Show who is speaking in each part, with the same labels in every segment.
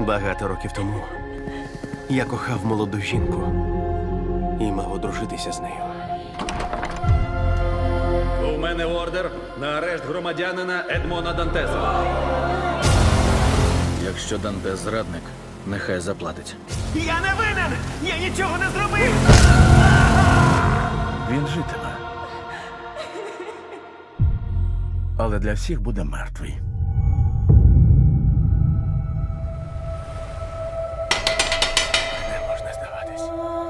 Speaker 1: Багато років тому я кохав молоду жінку і мав одружитися з нею.
Speaker 2: У мене ордер на арешт громадянина Едмона Дантеса. Якщо Дантес зрадник, нехай заплатить.
Speaker 1: Я не винен! Я нічого не зробив!
Speaker 3: Він житиме. Але для всіх буде мертвий.
Speaker 1: Не можна здаватись.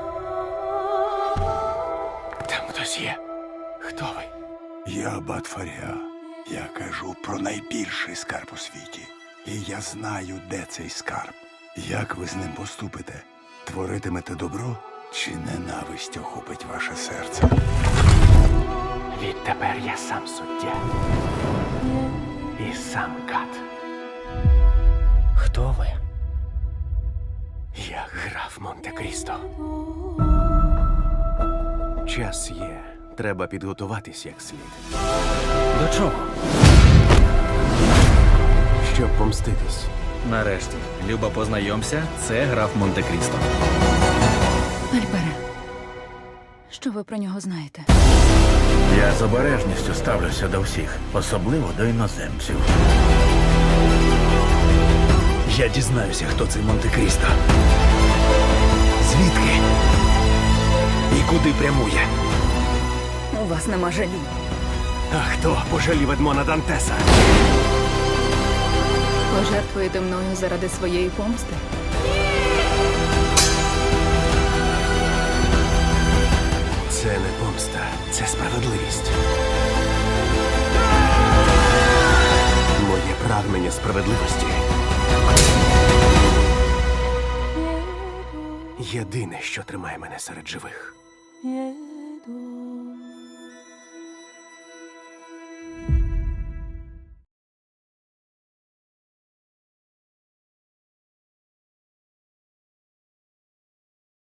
Speaker 1: Там хтось є. Хто ви?
Speaker 4: Я Аббат Фаріа. Я кажу про найбільший скарб у світі. І я знаю, де цей скарб. Як ви з ним поступите? Творитимете добро чи ненависть охопить ваше серце?
Speaker 1: Відтепер я сам суддя. І сам кат. Хто ви? Я граф Монте-Крісто. Час є. Треба підготуватись як слід.
Speaker 2: До чого?
Speaker 1: Щоб помститись.
Speaker 2: Нарешті, Люба, познайомся, це граф Монте-Крісто.
Speaker 5: Альбере, що ви про нього знаєте?
Speaker 3: Я з обережністю ставлюся до всіх, особливо до іноземців.
Speaker 1: Я дізнаюся, хто цей Монте-Крісто. Звідки? І куди прямує?
Speaker 5: У вас нема жалі.
Speaker 1: А хто пожалів Едмона Дантеса?
Speaker 5: Пожертвуєте мною заради своєї помсти?
Speaker 1: Це не помста, це справедливість. Моє прагнення справедливості єдине, що тримає мене серед живих.